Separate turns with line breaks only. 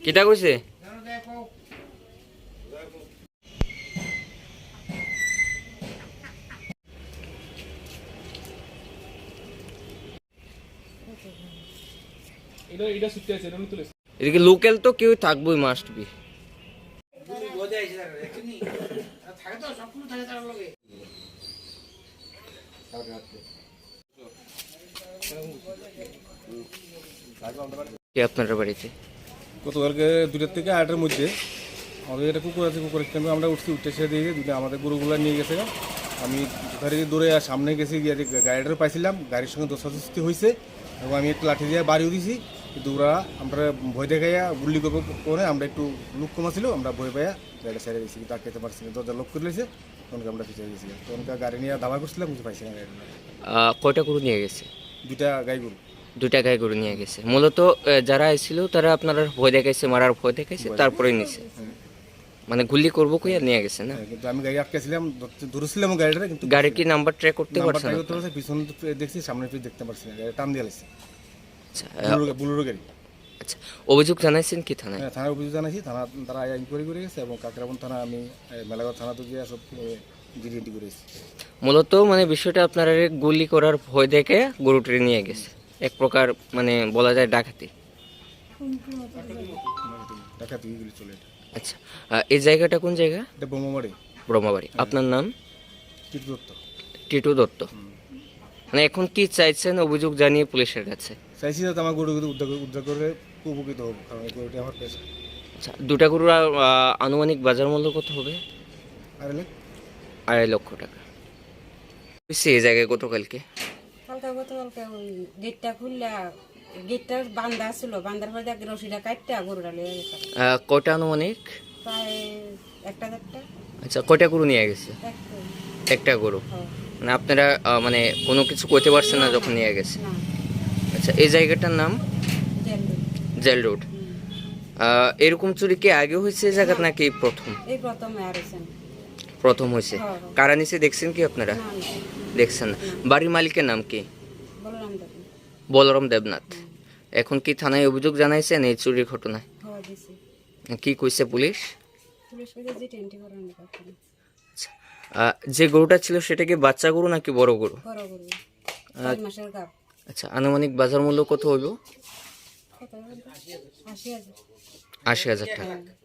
কিটা কইছে? এদিকে লোকাল তো কেউ থাকবোই, মাস্ট বি। আপনার বাড়িতে
গতকালকে 2টা থেকে 8টার মধ্যে আমাদের একটা কুকুর আছে, কুকুরের টাইমে আমরা উঠছি, উঠতে এসে দিয়ে দুটো আমাদের গরুগুলো নিয়ে গেছে। আমি যথারীতি দৌড়ে সামনে গেছি, গিয়ে গাড়িটার পাইছিলাম, গাড়ির সঙ্গে দোষাদোষি হয়েছে এবং আমি একটু লাঠি দিয়ে বাড়িও দিয়েছি। কিন্তু ওরা আমরা ভয় দেখাইয়া গুলি করবো করে আমরা একটু লুক কমা ছিল, আমরা ভয় পাইয়া গাড়িটা ছেড়ে দিয়েছি, কিন্তু আটকাতে পারছি না। দরজা লক করে লেছে, তখনকে আমরা পিছিয়ে দিয়েছি। তখনকার গাড়ি নিয়ে দাবা করছিলাম, কিছু পাইছি না। গাড়িটা
কয়টা গরু নিয়ে গেছে?
2টা গাই গরু।
2টা গাই গরু নিয়ে গেছে। মূলত যারা এসেছিল তারা আপনারা ভয় দেখাইছে, মারার ভয় দেখাইছে, তারপরে নিছে। মানে গুলি করবো কইয়া নিয়ে গেছে না?
কিন্তু আমি গাড়ি আটকেছিলাম, ধরেছিলাম গাড়িটা, কিন্তু
গাড়ির কি নাম্বার ট্র্যাক করতে পারছেন?
পিছন দেখছি, সামনে দেখতে পারছি না, গাড়ি টান দিয়ে লাগছে।
আচ্ছা,
বুলেরো গাড়ি।
আচ্ছা, অভিযোগ জানাইছেন কি থানায়?
হ্যাঁ, থানায় অভিযোগ জানাইছি। তারা ইনকোয়ারি করে গেছে এবং কাকরাবন থানা, আমি মেলাঘর থানা তো গিয়ে সব জিডি করেছি।
মূলত মানে বিষয়টা আপনারা গুলি করার ভয় দেখে গরুটি নিয়ে গেছে, এক প্রকার মানে বলা যায় ডাকাতি।
ডাকাতি গুলি চলে।
আচ্ছা, এই জায়গাটা কোন জায়গা?
এটা বোমাবাড়ি।
ব্রহ্মাবাড়ি। আপনার নাম?
টিটু দত্ত।
টিটু দত্ত। মানে এখন কি চাইছেন অভিযোগ জানিয়ে পুলিশের কাছে?
চাইছি যাতে আমার গরুগুলো উদ্ধার করে উপকৃত হোক, কারণ এই গরুটি আমার পেশা।
আচ্ছা, 2টা গরুর আনুমানিক বাজার মূল্য কত হবে? 2.5 লক্ষ টাকা। এই জায়গায় গতকালকে
গতকালকে ওই গেটটা খুললা, গেটটা বান্ধা ছিল, বান্ধার পরে দেখ রশিটা কাটটা গরুটা লিয়ে গেছে।
কয়টা আনুমানিক?
প্রায় 1-1.5টা।
আচ্ছা, কয়টা গরু নিয়ে গেছে? একটা গরু। মানে আপনারা মানে কোনো কিছু করতে পারছেন না যখন নিয়ে গেছে? আচ্ছা, এই জায়গাটার নাম জেল রোড। এরকম চুরি কি আগে হয়েছে এই জায়গা নাকি প্রথম?
এই প্রথম
প্রথম হয়েছে। কারা নিচে দেখছেন কি আপনারা? দেখছেন না। বাড়ির মালিকের নাম কি? বলরাম দেবনাথ। এখন কি থানায় অভিযোগ জানাইছেন এই চুরির ঘটনায়? কি কইছে পুলিশ? যে গরুটা ছিল সেটা কি বাচ্চা গরু নাকি বড় গরু? আচ্ছা, আনুমানিক বাজার মূল্য কত হইল?
80,000
80,000 টাকা।